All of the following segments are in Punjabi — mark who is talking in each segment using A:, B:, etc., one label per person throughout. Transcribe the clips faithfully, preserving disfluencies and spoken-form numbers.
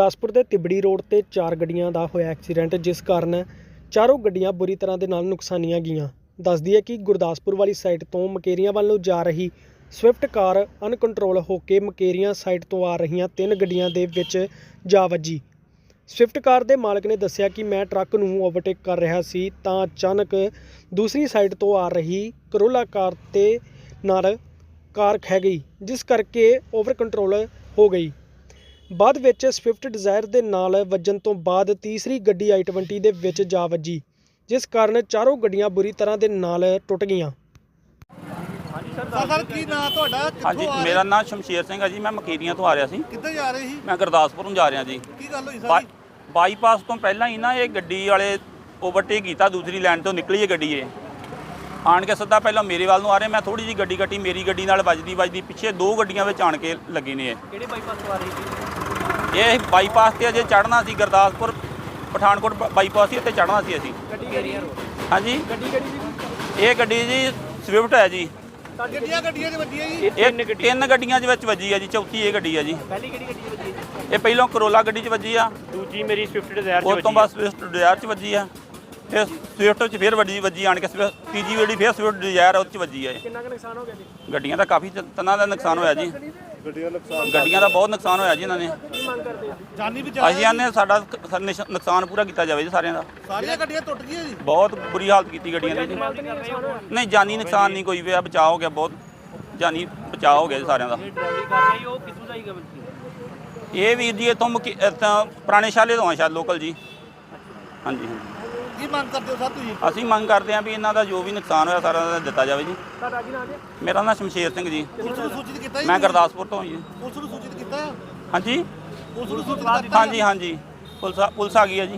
A: ਗੁਰਦਾਸਪੁਰ ਦੇ ਤਿਬੜੀ ਰੋਡ ਤੇ ਚਾਰ ਗੱਡੀਆਂ ਦਾ ਹੋਇਆ ਐਕਸੀਡੈਂਟ, ਜਿਸ ਕਾਰਨ ਚਾਰੋਂ ਗੱਡੀਆਂ ਬੁਰੀ ਤਰ੍ਹਾਂ ਦੇ ਨਾਲ ਨੁਕਸਾਨੀਆਂ ਗਈਆਂ। ਦੱਸਦੀ ਹੈ ਕਿ ਗੁਰਦਾਸਪੁਰ ਵਾਲੀ ਸਾਈਡ ਤੋਂ ਮਕੇਰੀਆਂ ਵੱਲ ਨੂੰ ਜਾ ਰਹੀ ਸਵਿਫਟ ਕਾਰ ਅਨਕੰਟਰੋਲ ਹੋ ਕੇ ਮਕੇਰੀਆਂ ਸਾਈਡ ਤੋਂ ਆ ਰਹੀਆਂ ਤਿੰਨ ਗੱਡੀਆਂ ਦੇ ਵਿੱਚ ਜਾ ਵੱਜੀ। ਸਵਿਫਟ ਕਾਰ ਦੇ ਮਾਲਕ ਨੇ ਦੱਸਿਆ ਕਿ ਮੈਂ ਟਰੱਕ ਨੂੰ ਓਵਰਟੇਕ ਕਰ ਰਿਹਾ ਸੀ ਤਾਂ ਅਚਾਨਕ ਦੂਸਰੀ ਸਾਈਡ ਤੋਂ ਆ ਰਹੀ ਕਰੋਲਾ ਕਾਰ ਤੇ ਨਾਲ ਕਾਰ ਖਹਿ ਗਈ, ਜਿਸ ਕਰਕੇ ਓਵਰ ਕੰਟਰੋਲ ਹੋ ਗਈ। ਬਾਅਦ ਵਿੱਚ ਸਵਿਫਟ ਡਿਜ਼ਾਇਰ ਦੇ ਨਾਲ ਵੱਜਣ ਤੋਂ ਬਾਅਦ ਤੀਸਰੀ ਗੱਡੀ ਆਈ ਟਵੰਟੀ ਦੇ ਵਿੱਚ ਜਾ ਵੱਜੀ, ਜਿਸ ਕਾਰਨ ਚਾਰੋਂ ਗੱਡੀਆਂ ਬੁਰੀ ਤਰ੍ਹਾਂ ਦੇ ਨਾਲ ਟੁੱਟ ਗਈਆਂ।
B: ਸਰ ਕੀ ਨਾਂ ਤੁਹਾਡਾ?
C: ਹਾਂਜੀ, ਮੇਰਾ ਨਾਮ ਸ਼ਮਸ਼ੇਰ ਸਿੰਘ ਹੈ ਜੀ। ਮੈਂ ਮਕੇਰੀਆਂ ਤੋਂ ਆ ਰਿਹਾ ਸੀ।
B: ਕਿੱਥੇ ਜਾ ਰਹੇ ਸੀ?
C: ਮੈਂ ਗੁਰਦਾਸਪੁਰ ਨੂੰ ਜਾ ਰਿਹਾ ਜੀ।
B: ਕੀ ਗੱਲ ਹੋਈ ਸਾਰੀ?
C: ਬਾਈਪਾਸ ਤੋਂ ਪਹਿਲਾਂ ਹੀ ਨਾ ਇਹ ਗੱਡੀ ਵਾਲੇ ਓਵਰਟੇਕ ਕੀਤਾ, ਦੂਸਰੀ ਲਾਈਨ ਤੋਂ ਨਿਕਲੀ ਇਹ ਗੱਡੀ। ਇਹ ਆਣ ਕੇ ਸਿੱਧਾ ਪਹਿਲਾਂ ਮੇਰੇ ਵੱਲ ਨੂੰ ਆ ਰਹੇ, ਮੈਂ ਥੋੜੀ ਜਿਹੀ ਗੱਡੀ ਕੱਟੀ, ਮੇਰੀ ਗੱਡੀ ਨਾਲ ਵੱਜਦੀ ਵੱਜਦੀ ਪਿੱਛੇ ਦੋ ਗੱਡੀਆਂ ਵਿੱਚ ਆਣ ਕੇ ਲੱਗੀ ਨੇ। ਇਹ
A: ਕਿਹੜੇ ਬਾਈਪਾਸ ਤੋਂ ਆ ਰਹੀ ਸੀ?
C: ਇਹ ਬਾਈਪਾਸ ਤੇ ਅਜੇ ਚੜ੍ਹਨਾ ਸੀ, ਗੁਰਦਾਸਪੁਰ ਪਠਾਨਕੋਟ ਬਾਈਪਾਸ ਸੀ, ਇੱਥੇ ਚੜ੍ਹਨਾ ਸੀ ਅਸੀਂ।
A: ਗੱਡੀ ਕਿਹੜੀ?
C: ਹਾਂਜੀ,
A: ਗੱਡੀ ਕਿਹੜੀ ਸੀ?
C: ਇਹ ਗੱਡੀ ਜੀ ਸਵਿਫਟ ਹੈ ਜੀ।
B: ਗੱਡੀਆਂ ਗੱਡੀਆਂ 'ਚ ਵੱਜੀਆਂ ਜੀ?
C: ਇਹ ਤਿੰਨ ਗੱਡੀਆਂ ਦੇ ਵਿੱਚ ਵੱਜੀ ਹੈ ਜੀ, ਚੌਥੀ ਇਹ ਗੱਡੀ ਹੈ ਜੀ।
A: ਪਹਿਲੀ ਕਿਹੜੀ ਗੱਡੀ 'ਚ ਵੱਜੀ ਹੈ?
C: ਇਹ ਪਹਿਲਾਂ ਕਰੋਲਾ ਗੱਡੀ 'ਚ ਵੱਜੀ ਆ,
A: ਦੂਜੀ ਮੇਰੀ ਸਵਿਫਟ ਡਿਜ਼ਾਇਰ 'ਚ ਵੱਜੀ।
C: ਉਸ ਤੋਂ ਬਾਅਦ ਸਵਿਫਟ ਡਿਜ਼ਾਇਰ 'ਚ ਵੱਜੀ ਆ, ਫਿਰ ਸਵਿਫਟ 'ਚ ਫਿਰ ਵੱਜੀ ਵੱਜੀ ਆਣ ਕੇ ਤੀਜੀ ਗੱਡੀ ਫਿਰ ਸਵਿਫਟ ਡਿਜ਼ਾਇਰ ਉਹ 'ਚ ਵੱਜੀ ਆ।
A: ਕਿੰਨਾ ਕੁ ਨੁਕਸਾਨ ਹੋ ਗਿਆ ਜੀ?
C: ਗੱਡੀਆਂ ਦਾ ਕਾਫੀ ਤਨਾਂ ਦਾ ਨੁਕਸਾਨ ਹੋਇਆ ਜੀ।
B: ਗੱਡੀਆਂ ਨੁਕਸਾਨ
C: ਗੱਡੀਆਂ ਦਾ ਬਹੁਤ ਨੁਕਸਾਨ ਹੋਇਆ ਜੀ ਇਹਨਾਂ ਨੇ।
A: ਕੀ ਮੰਗ ਕਰਦੇ ਆ?
B: ਜਾਨੀ ਬਚਾਅ
C: ਅਸੀਂ ਆਨੇ ਸਾਡਾ ਨੁਕਸਾਨ ਪੂਰਾ ਕੀਤਾ ਜਾਵੇ ਜੀ ਸਾਰਿਆਂ ਦਾ।
B: ਸਾਰੀਆਂ ਗੱਡੀਆਂ ਟੁੱਟ ਗਈਆਂ ਜੀ?
C: ਬਹੁਤ ਬੁਰੀ ਹਾਲਤ ਕੀਤੀ ਗੱਡੀਆਂ ਦੀ ਜੀ। ਨਹੀਂ, ਜਾਨੀ ਨੁਕਸਾਨ ਨਹੀਂ ਕੋਈ ਹੋਇਆ, ਬਚਾਅ ਹੋ ਗਿਆ, ਬਹੁਤ ਜਾਨੀ ਬਚਾਅ ਹੋ ਗਿਆ ਜੀ ਸਾਰਿਆਂ ਦਾ।
A: ਡਰਾਈਵਰੀ ਕਰ ਰਹੀ ਉਹ ਕਿੱਥੋਂ ਦਾ ਹੀ ਗਵਨ?
C: ਇਹ ਵੀਰ ਜੀ ਇੱਥੋਂ ਪੁਰਾਣੇ ਸ਼ਾਲੇ ਤੋਂ ਆ ਸ਼ਾਇਦ, ਲੋਕਲ ਜੀ। ਹਾਂਜੀ ਹਾਂਜੀ।
B: ਕੀ ਮੰਗ ਕਰਦੇ ਹੋ ਸਰ ਤੁਸੀਂ?
C: ਅਸੀਂ ਮੰਗ ਕਰਦੇ ਹਾਂ ਵੀ ਇਹਨਾਂ ਦਾ ਜੋ ਵੀ ਨੁਕਸਾਨ ਹੋਇਆ ਸਾਰਾ ਦਾ ਦਿੱਤਾ ਜਾਵੇ ਜੀ।
A: ਤੁਹਾਡਾ ਕੀ ਨਾਮ ਹੈ?
C: ਮੇਰਾ ਨਾਮ ਸ਼ਮਸ਼ੇਰ ਸਿੰਘ ਜੀ।
B: ਪੁਲਿਸ ਨੂੰ ਸੂਚਿਤ ਕੀਤਾ ਜੀ?
C: ਮੈਂ ਗੁਰਦਾਸਪੁਰ ਤੋਂ ਹਾਂ ਜੀ।
B: ਪੁਲਿਸ ਨੂੰ ਸੂਚਿਤ ਕੀਤਾ ਹੈ?
C: ਹਾਂਜੀ
B: ਪੁਲਿਸ ਨੂੰ ਸੂਚਿਤ ਕੀਤਾ?
C: ਹਾਂਜੀ ਹਾਂਜੀ, ਪੁਲਿਸ ਆ- ਪੁਲਿਸ ਆ ਗਈ ਹੈ ਜੀ।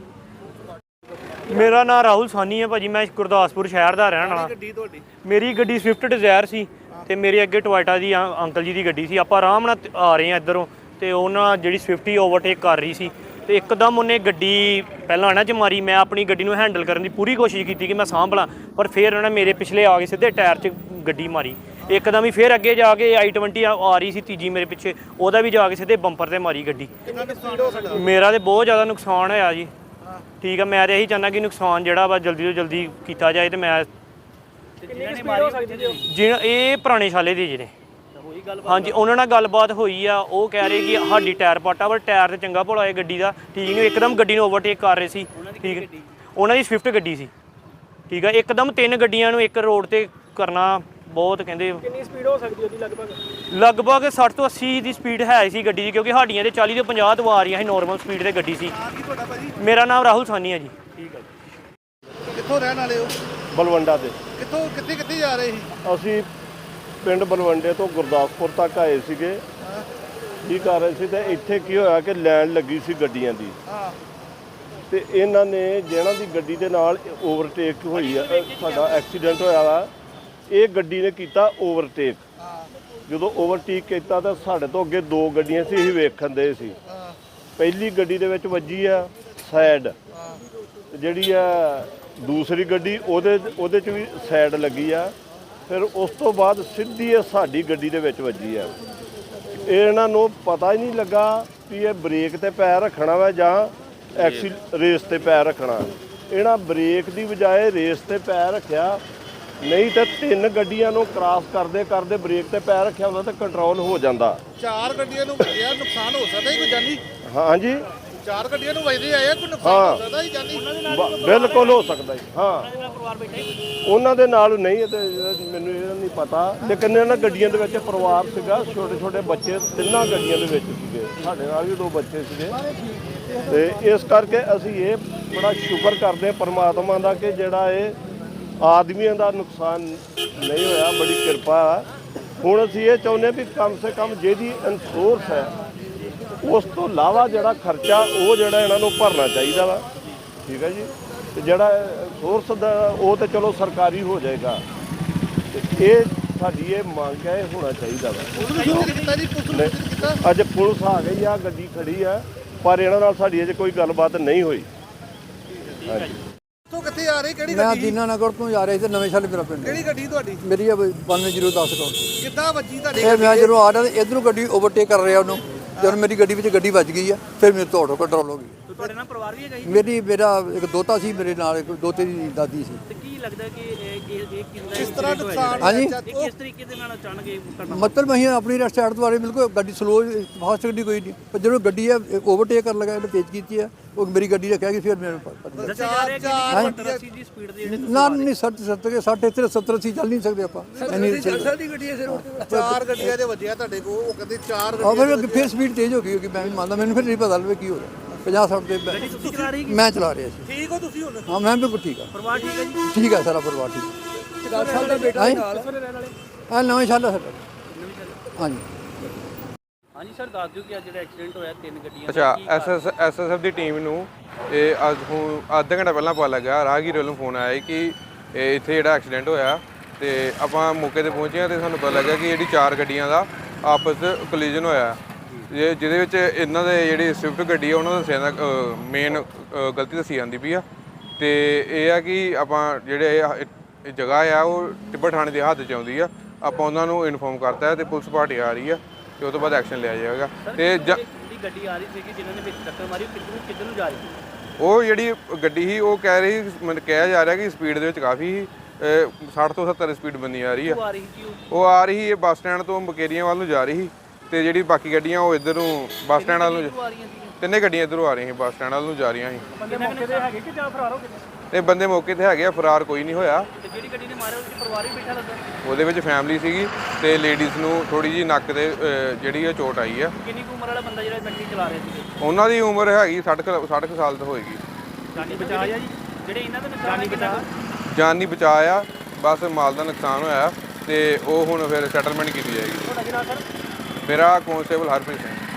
D: ਮੇਰਾ ਨਾਮ ਰਾਹੁਲ ਸਾਨੀ ਹੈ ਭਾਜੀ। ਮੈਂ ਗੁਰਦਾਸਪੁਰ ਸ਼ਹਿਰ ਦਾ ਰਹਿਣ ਵਾਲਾ।
B: ਗੱਡੀ ਤੁਹਾਡੀ?
D: ਮੇਰੀ ਗੱਡੀ ਸਵਿਫਟ ਡਿਜ਼ਾਇਰ ਸੀ ਤੇ ਮੇਰੇ ਅੱਗੇ ਟੋਇਟਾ ਦੀ ਅੰ- ਅੰਕਲ ਜੀ ਦੀ ਗੱਡੀ ਸੀ। ਆਪਾਂ ਆਰਾਮ ਨਾਲ ਆ ਰਹੇ ਹਾਂ ਇੱਧਰੋਂ ਤੇ ਉਹਨਾਂ ਜਿਹੜੀ ਸਵਿਫਟ ਹੀ ਓਵਰਟੇਕ ਕਰ ਰਹੀ ਸੀ ਤੇ ਇੱਕਦਮ ਉਹਨੇ ਗੱਡੀ ਪਹਿਲਾਂ ਇਹਨਾਂ 'ਚ ਮਾਰੀ। ਮੈਂ ਆਪਣੀ ਗੱਡੀ ਨੂੰ ਹੈਂਡਲ ਕਰਨ ਦੀ ਪੂਰੀ ਕੋਸ਼ਿਸ਼ ਕੀਤੀ ਕਿ ਮੈਂ ਸਾਂਭ ਲਾਂ, ਪਰ ਫਿਰ ਉਹਨੇ ਮੇਰੇ ਪਿਛਲੇ ਆ ਕੇ ਸਿੱਧੇ ਟਾਇਰ 'ਚ ਗੱਡੀ ਮਾਰੀ। ਇੱਕਦਮ ਹੀ ਫਿਰ ਅੱਗੇ ਜਾ ਕੇ ਆਈ ਟਵੰਟੀ ਆ ਰਹੀ ਸੀ ਤੀਜੀ ਮੇਰੇ ਪਿੱਛੇ, ਉਹਦਾ ਵੀ ਜਾ ਕੇ ਸਿੱਧੇ ਬੰਪਰ ਤੇ ਮਾਰੀ ਗੱਡੀ।
B: ਕਿੰਨਾ ਨੁਕਸਾਨ ਹੋ ਸਕਦਾ?
D: ਮੇਰਾ ਤੇ ਬਹੁਤ ਜ਼ਿਆਦਾ ਨੁਕਸਾਨ ਹੋਇਆ ਜੀ। ਠੀਕ ਆ, ਮੈਂ ਤਾਂ ਇਹੀ ਚਾਹੁੰਦਾ ਕਿ ਨੁਕਸਾਨ ਜਿਹੜਾ ਵਾ ਜਲਦੀ ਤੋਂ ਜਲਦੀ ਕੀਤਾ ਜਾਏ। ਤੇ ਮੈਂ ਜਿਹਨਾਂ ਇਹ ਪੁਰਾਣੇ ਸ਼ਾਲੇ ਦੇ ਜਿਹੜੇ ਹਾਂਜੀ, ਉਹਨਾਂ ਨਾਲ ਗੱਲਬਾਤ ਹੋਈ ਆ। ਉਹ ਕਹਿ ਰਹੇ ਕਿ ਸਾਡੀ ਟਾਇਰ ਪਾਟਾ, ਪਰ ਟਾਇਰ ਤੇ ਚੰਗਾ ਭਲਾ ਹੈ ਗੱਡੀ ਦਾ। ਠੀਕ ਨਹੀਂ, ਇੱਕਦਮ ਗੱਡੀ ਨੂੰ ਓਵਰਟੇਕ ਕਰ ਰਹੇ ਸੀ। ਠੀਕ, ਉਹਨਾਂ ਦੀ ਸਵਿਫਟ ਗੱਡੀ ਸੀ। ਠੀਕ ਆ, ਇੱਕਦਮ ਤਿੰਨ ਗੱਡੀਆਂ ਨੂੰ ਇੱਕ ਰੋਡ ਤੇ ਕਰਨਾ ਬਹੁਤ ਕਹਿੰਦੇ।
A: ਕਿੰਨੀ ਸਪੀਡ ਹੋ ਸਕਦੀ ਉਹਦੀ ਲਗਭਗ?
D: ਲਗਭਗ ਸੱਠ ਤੋਂ ਅੱਸੀ ਦੀ ਸਪੀਡ ਹੈ ਸੀ ਗੱਡੀ ਦੀ, ਕਿਉਂਕਿ ਸਾਡੀਆਂ ਤੇ ਚਾਲੀ ਤੋਂ ਪੰਜਾਹ ਤੋਂ ਆ ਰਹੀਆਂ ਸੀ ਨੋਰਮਲ ਸਪੀਡ ਤੇ ਗੱਡੀ ਸੀ।
B: ਹਾਂ, ਕੀ ਤੁਹਾਡਾ ਭਾਜੀ?
D: ਮੇਰਾ ਨਾਮ ਰਾਹੁਲ ਸਾਨੀ ਹੈ ਜੀ। ਠੀਕ ਹੈ ਜੀ।
B: ਕਿੱਥੋਂ ਰਹਿਣ ਵਾਲੇ ਹੋ?
E: ਬਲਵੰਡਾ ਦੇ।
B: ਕਿੱਥੋਂ ਕਿੱਥੇ ਕਿੱਥੇ ਜਾ ਰਹੇ ਸੀ?
E: ਅਸੀਂ ਪਿੰਡ ਬਲਵੰਡੇ ਤੋਂ ਗੁਰਦਾਸਪੁਰ ਤੱਕ ਆਏ ਸੀਗੇ। ਕੀ ਕਰ ਰਹੇ ਸੀ ਤੇ ਇੱਥੇ ਕੀ ਹੋਇਆ ਕਿ ਲਾਈਨ ਲੱਗੀ ਸੀ ਗੱਡੀਆਂ ਦੀ,
B: ਹਾਂ,
E: ਤੇ ਇਹਨਾਂ ਨੇ ਜਿਹਨਾਂ ਦੀ ਗੱਡੀ ਦੇ ਨਾਲ ਓਵਰਟੇਕ ਹੋਈ ਆ, ਸਾਡਾ ਐਕਸੀਡੈਂਟ ਹੋਇਆ ਵਾ, ਇਹ ਗੱਡੀ ਨੇ ਕੀਤਾ ਓਵਰਟੇਕ।
B: ਹਾਂ,
E: ਜਦੋਂ ਓਵਰਟੇਕ ਕੀਤਾ ਤਾਂ ਸਾਡੇ ਤੋਂ ਅੱਗੇ ਦੋ ਗੱਡੀਆਂ ਸੀ, ਅਸੀਂ ਵੇਖਣ ਦੇ ਸੀ।
B: ਹਾਂ,
E: ਪਹਿਲੀ ਗੱਡੀ ਦੇ ਵਿੱਚ ਵੱਜੀ ਆ ਸਾਈਡ,
B: ਹਾਂ,
E: ਤੇ ਜਿਹੜੀ ਆ ਦੂਸਰੀ ਗੱਡੀ ਉਹਦੇ ਉਹਦੇ 'ਚ ਵੀ ਸਾਈਡ ਲੱਗੀ ਆ। ਫਿਰ ਉਸ ਤੋਂ ਬਾਅਦ ਸਿੱਧੀ ਇਹ ਸਾਡੀ ਗੱਡੀ ਦੇ ਵਿੱਚ ਵੱਜੀ ਆ। ਇਹ ਇਹਨਾਂ ਨੂੰ ਪਤਾ ਹੀ ਨਹੀਂ ਲੱਗਾ ਵੀ ਇਹ ਬ੍ਰੇਕ ਤੇ ਪੈਰ ਰੱਖਣਾ ਵਾ ਜਾਂ ਐਕਸੀ ਰੇਸ ਤੇ ਪੈਰ ਰੱਖਣਾ। ਇਹਨਾਂ ਬ੍ਰੇਕ ਦੀ ਬਜਾਏ ਰੇਸ ਤੇ ਪੈਰ ਰੱਖਿਆ, ਨਹੀਂ ਤਾਂ ਤਿੰਨ ਗੱਡੀਆਂ ਨੂੰ ਕ੍ਰਾਸ ਕਰਦੇ ਕਰਦੇ ਬ੍ਰੇਕ ਤੇ ਪੈਰ ਰੱਖਿਆ ਹੁੰਦਾ ਤਾਂ ਕੰਟਰੋਲ ਹੋ ਜਾਂਦਾ।
B: ਚਾਰ ਗੱਡੀਆਂ ਨੂੰ ਵੱਜਿਆ, ਨੁਕਸਾਨ ਹੋ ਸਕਦਾ ਜੀ ਕੋਈ ਜਾਨੀ?
E: ਹਾਂਜੀ,
B: ਚਾਰ ਗੱਡੀਆਂ ਨੂੰ ਵੱਜਦੇ ਆਏ ਆ, ਕੋਈ ਨੁਕਸਾਨ
E: ਹਾਂ।
B: ਹੋ ਸਕਦਾ ਜੀ ਜਾਨੀ?
E: ਬ- ਬਿਲਕੁਲ ਹੋ ਸਕਦਾ ਜੀ। ਹਾਂ, ਉਹਨਾਂ ਦੇ ਨਾਲ ਨਹੀਂ, ਇਹ ਤੇ ਮੈਨੂੰ ਇਹਦਾ ਨਹੀਂ ਪਤਾ, ਲੇਕਿਨ ਇਹਨਾਂ ਗੱਡੀਆਂ ਦੇ ਵਿੱਚ ਪਰਿਵਾਰ ਸੀਗਾ, ਛੋਟੇ ਛੋਟੇ ਬੱਚੇ ਤਿੰਨਾਂ ਗੱਡੀਆਂ ਦੇ ਵਿੱਚ ਸੀਗੇ। ਸਾਡੇ ਨਾਲ ਵੀ ਦੋ ਬੱਚੇ ਸੀਗੇ, ਤੇ ਇਸ ਕਰਕੇ ਅਸੀਂ ਇਹ ਬੜਾ ਸ਼ੁਕਰ ਕਰਦੇ ਹਾਂ ਪਰਮਾਤਮਾ ਦਾ ਕਿ ਜਿਹੜਾ ਇਹ ਆਦਮੀਆਂ ਦਾ ਨੁਕਸਾਨ ਨਹੀਂ ਹੋਇਆ, ਬੜੀ ਕਿਰਪਾ ਹੈ। ਹੁਣ ਅਸੀਂ ਇਹ ਚਾਹੁੰਦੇ ਵੀ ਕਮ ਸੇ ਕਮ ਜਿਹਦੀ ਇੰਸ਼ੋਰੈਂਸ ਹੈ ਉਸ ਤੋਂ ਇਲਾਵਾ ਜਿਹੜਾ ਖਰਚਾ ਉਹ ਜਿਹੜਾ ਇਹਨਾਂ ਨੂੰ ਭਰਨਾ ਚਾਹੀਦਾ ਵਾ। ਠੀਕ ਹੈ ਜੀ, ਤੇ ਜਿਹੜਾ ਸੋਰਸ ਦਾ ਉਹ ਤਾਂ ਚਲੋ ਸਰਕਾਰੀ ਹੋ ਜਾਏਗਾ, ਤੇ ਇਹ ਸਾਡੀ ਇਹ ਮੰਗ ਹੈ, ਇਹ ਹੋਣਾ ਚਾਹੀਦਾ ਵਾ।
B: ਪੁਲਿਸ ਨੂੰ ਸੂਚਿਤ ਕੀਤਾ ਜੀ? ਪੁਲਿਸ ਨੂੰ ਸੂਚਿਤ ਕੀਤਾ?
E: ਅੱਜ ਪੁਲਿਸ ਆ ਗਈ ਆ, ਗੱਡੀ ਖੜੀ ਆ, ਪਰ ਇਹਨਾਂ ਨਾਲ ਸਾਡੀ ਅਜੇ ਕੋਈ ਗੱਲਬਾਤ ਨਹੀਂ ਹੋਈ। ਹਾਂਜੀ,
B: ਕਿੱਥੋਂ ਕਿੱਥੇ ਆ ਰਹੇ? ਕਿਹੜੀ
F: ਮੈਂ
B: ਗੱਡੀ?
F: ਦੀਨਾ ਨਗਰ ਤੋਂ ਜਾ ਰਿਹਾ ਸੀ, ਨਵੇਂ ਸ਼ਾਲੇ ਮੇਰਾ ਪਿੰਡ।
B: ਕਿਹੜੀ ਗੱਡੀ ਤੁਹਾਡੀ?
F: ਮੇਰੀ ਬਾਨਵੇਂ ਜ਼ੀਰੋ ਦਸ ਕੋਲ।
B: ਕਿੱਦਾਂ ਵੱਜੀ ਤੁਹਾਡੀ
F: ਇਹ ਮੈਂ ਜਦੋਂ ਆ ਰਿਹਾ ਤੇ ਇਧਰੋਂ ਗੱਡੀ ਓਵਰਟੇਕ ਕਰ ਰਿਹਾ ਉਹਨੂੰ, ਜਦੋਂ ਮੇਰੀ ਗੱਡੀ ਵਿੱਚ ਗੱਡੀ ਵੱਜ ਗਈ ਆ ਫਿਰ ਮੇਰੇ ਤੋਂ ਆਟੋ ਕੰਟਰੋਲ ਹੋ ਗਈ।
D: ਤੁਹਾਡੇ ਨਾਲ ਪਰਿਵਾਰ ਵੀ ਹੈਗਾ ਜੀ?
F: ਮੇਰੀ ਮੇਰਾ ਇੱਕ ਦੋਤਾ ਸੀ, ਮੇਰੇ ਨਾਲ ਇੱਕ ਦੋਤੇ ਦੀ ਦਾਦੀ ਸੀ।
D: ਤੇ ਕੀ ਲੱਗਦਾ ਕਿ ਇਹ ਇਹ ਇਹ ਕਿੰਨਾ
B: ਕਿਸ ਤਰ੍ਹਾਂ ਨੁਕਸਾਨ
F: ਹਾਂਜੀ।
B: ਹੋਇਆ?
D: ਇਹ ਕਿਸ ਤਰੀਕੇ ਦੇ ਨਾਲ ਅਚਾਨਕ ਇਹ ਘਟਨਾ
F: ਮਤਲਬ ਅਸੀਂ ਆਪਣੀ ਰੈਸਟ ਸਾਈਡ ਤੋਂ ਆ ਰਹੇ, ਬਿਲਕੁਲ ਗੱਡੀ ਸਲੋ ਫਾਸਟ ਗੱਡੀ ਕੋਈ ਨਹੀਂ, ਪਰ ਜਦੋਂ ਗੱਡੀ ਆ ਓਵਰਟੇਕ ਕਰਨ ਲੱਗਾ, ਇਹਨੇ ਤੇਜ਼ ਕੀਤੀ ਆ, ਉਹ ਮੇਰੀ ਗੱਡੀ ਰੱਖਿਆ ਕਿ ਫਿਰ ਮੈਨੂੰ ਪਤਾ ਲੱਗਾ।
D: ਦੱਸਿਆ ਜਾ ਰਿਹਾ ਕਿ ਸੱਤਰ ਅੱਸੀ ਦੀ ਸਪੀਡ ਦੇ ਜਿਹੜੇ
F: ਨਾ ਨਹੀਂ ਸੱਠ ਸੱਤਰ ਕੇ ਸੱਠ ਇੱਥੇ ਸੱਤਰ ਅੱਸੀ ਚੱਲ ਨਹੀਂ ਸਕਦੇ ਆਪਾਂ ਇੰਨੀ
B: ਚਾਰ ਗੱਡੀਆਂ ਦੇ ਵੱਜਿਆ ਤੁਹਾਡੇ ਕੋਲ, ਉਹ ਕਹਿੰਦੇ ਚਾਰ
F: ਆ
B: ਗੱਡੀਆਂ
F: ਫਿਰ ਫਿਰ ਸਪੀਡ ਤੇਜ਼ ਹੋ ਗਈ ਹੋਗੀ, ਮੈਂ ਵੀ ਮੰਨਦਾ, ਮੈਨੂੰ ਫਿਰ ਨਹੀਂ ਪਤਾ ਲੱਗਾ ਕੀ ਹੋ ਰਿਹਾ। ਪੰਜਾਹ ਸੱਠ ਦੇ
D: ਗੱਡੀ ਤੁਸੀਂ ਚਲਾ ਰਹੀ
F: ਮੈਂ ਚਲਾ ਰਿਹਾ ਸੀ।
B: ਠੀਕ ਹੋ ਤੁਸੀਂ ਹੁਣ?
F: ਹਾਂ ਮੈਂ ਬਿਲਕੁਲ ਠੀਕ ਆ,
D: ਪਰਿਵਾਰ ਠੀਕ ਹੈ ਜੀ?
F: ਠੀਕ ਆ, ਸਾਰਾ ਪਰਿਵਾਰ ਠੀਕ ਆ। ਦਸ ਸਾਲ ਦਾ ਬੇਟਾ ਨਾਲ ਹਾਂ ਨਵੇਂ ਸਾਲ ਦਾ ਸਾਡਾ। ਹਾਂਜੀ
D: ਹਾਂਜੀ ਸਰ, ਦੱਸ ਦਿਓ ਕਿ ਅੱਜ ਜਿਹੜਾ ਐਕਸੀਡੈਂਟ ਹੋਇਆ ਤਿੰਨ ਗੱਡੀਆਂ
G: ਅੱਛਾ, ਐਸਐਸ ਐਸਐਸਐਫ ਦੀ ਟੀਮ ਨੂੰ ਇਹ ਅੱਜ ਹੁਣ ਅੱਧਾ ਘੰਟਾ ਪਹਿਲਾਂ ਪਤਾ ਲੱਗਾ, ਰਾਹਗੀਰ ਵੱਲੋਂ ਫੋਨ ਆਇਆ ਕਿ ਇਹ ਇੱਥੇ ਜਿਹੜਾ ਐਕਸੀਡੈਂਟ ਹੋਇਆ, ਤੇ ਆਪਾਂ ਮੌਕੇ ਤੇ ਪਹੁੰਚੇ ਹਾਂ ਤੇ ਸਾਨੂੰ ਪਤਾ ਲੱਗਾ ਕਿ ਜਿਹੜੀ ਚਾਰ ਗੱਡੀਆਂ ਦਾ ਆਪਸ 'ਚ ਕੋਲੀਜਨ ਹੋਇਆ, ਜੇ ਜਿਹਦੇ ਵਿੱਚ ਇਹਨਾਂ ਦੇ ਜਿਹੜੀ ਸਵਿਫਟ ਗੱਡੀ ਆ ਉਹਨਾਂ ਦਾ ਦੱਸਿਆ ਜਾਂਦਾ ਮੇਨ ਗਲਤੀ ਦੱਸੀ ਜਾਂਦੀ ਪਈ ਆ। ਤੇ ਇਹ ਆ ਕਿ ਆਪਾਂ ਜਿਹੜੇ ਇਹ ਜਗ੍ਹਾ ਆ ਉਹ ਟਿੱਬਾ ਥਾਣੇ ਦੇ ਹੱਥ 'ਚ ਆਉਂਦੀ ਆ, ਆਪਾਂ ਉਹਨਾਂ ਨੂੰ ਇਨਫੋਰਮ ਕਰਤਾ ਤੇ ਪੁਲਿਸ ਪਾਰਟੀ ਆ ਰਹੀ ਆ ਤੇ ਉਹ ਤੋਂ ਬਾਅਦ ਐਕਸ਼ਨ ਲਿਆ ਜਾਏਗਾ। ਤੇ
D: ਜਿਹੜੀ ਗੱਡੀ ਆ ਰਹੀ ਸੀ ਜਿਨ੍ਹਾਂ ਨੇ ਵਿੱਚ ਟੱਕਰ ਮਾਰੀ ਕਿੱਧਰ ਨੂੰ ਕਿੱਧਰ ਨੂੰ ਜਾ ਰਹੀ ਸੀ?
G: ਉਹ ਜਿਹੜੀ ਗੱਡੀ ਸੀ ਉਹ ਕਹਿ ਰਹੀ ਮਤਲਬ ਕਿਹਾ ਜਾ ਰਿਹਾ ਕਿ ਸਪੀਡ ਦੇ ਵਿੱਚ ਕਾਫੀ ਸੀ, ਸੱਠ ਤੋਂ ਸੱਤਰ ਸਪੀਡ ਬੰਦੀ ਆ ਰਹੀ ਆ।
D: ਉਹ ਆ ਰਹੀ ਸੀ ਉਹ
G: ਉਹ ਆ ਰਹੀ ਇਹ ਬੱਸ ਸਟੈਂਡ ਤੋਂ ਮਕੇਰੀਆਂ ਵੱਲ ਨੂੰ ਜਾ ਰਹੀ ਸੀ, ਤੇ ਜਿਹੜੀ ਬਾਕੀ ਗੱਡੀਆਂ ਉਹ ਇੱਧਰ ਨੂੰ ਬੱਸ ਸਟੈਂਡ ਵੱਲ ਨੂੰ
D: ਆ ਰਹੀਆਂ ਸੀ?
G: ਤਿੰਨੇ ਗੱਡੀਆਂ ਇੱਧਰੋਂ ਆ ਰਹੀਆਂ ਸੀ, ਬੱਸ ਸਟੈਂਡ ਵੱਲ ਨੂੰ ਜਾ ਰਹੀਆਂ ਸੀ।
D: ਬੰਦੇ ਮੌਕੇ ਤੇ ਹੈਗੇ ਕਿ ਜਾਂ ਫਰਾਰ ਹੋ ਗਏ?
G: ਤੇ ਬੰਦੇ ਮੌਕੇ ਤੇ ਹੈਗੇ ਆ, ਫਰਾਰ ਕੋਈ ਨਹੀਂ ਹੋਇਆ।
D: ਤੇ ਜਿਹੜੀ ਗੱਡੀ ਨੇ ਮਾਰਿਆ ਉਹਦੇ ਵਿੱਚ ਪਰਿਵਾਰ ਵੀ ਬੈਠਾ ਲੱਗਾ?
G: ਉਹਦੇ ਵਿੱਚ ਫੈਮਿਲੀ ਸੀਗੀ ਤੇ ਲੇਡੀਜ਼ ਨੂੰ ਥੋੜੀ ਜਿਹੀ ਨੱਕ ਤੇ ਅਹ, ਜਿਹੜੀ ਇਹ ਚੋਟ ਆਈ ਆ।
D: ਕਿੰਨੀ ਕੁ ਉਮਰ ਵਾਲਾ ਬੰਦਾ ਜਿਹੜਾ ਗੱਡੀ ਚਲਾ ਰਿਹਾ ਸੀ?
G: ਉਹਨਾਂ ਦੀ ਉਮਰ ਹੈਗੀ ਸੱਠ ਕੁ ਸੱਠ ਕੁ ਸਾਲ ਤੋਂ ਹੋਏਗੀ।
D: ਜਾਨੀ ਬਚਾ ਜੀ? ਜਿਹੜੇ ਇਹਨਾਂ ਦਾ ਨੁਕਸਾਨ ਜਾਨੀ ਬਚਾ?
G: ਜਾਨ ਨਹੀਂ ਬਚਾਇਆ, ਬਸ ਮਾਲ ਦਾ ਨੁਕਸਾਨ ਹੋਇਆ ਤੇ ਉਹ ਹੁਣ ਫਿਰ ਸੈਟਲਮੈਂਟ ਕੀਤੀ ਜਾਏਗੀ।
D: ਤੁਹਾਡਾ ਕੀ ਨਾਮ ਸਰ?
G: ਮੇਰਾ ਕਾਂਸਟੇਬਲ ਹਰਪ੍ਰੀਤ ਸਿੰਘ।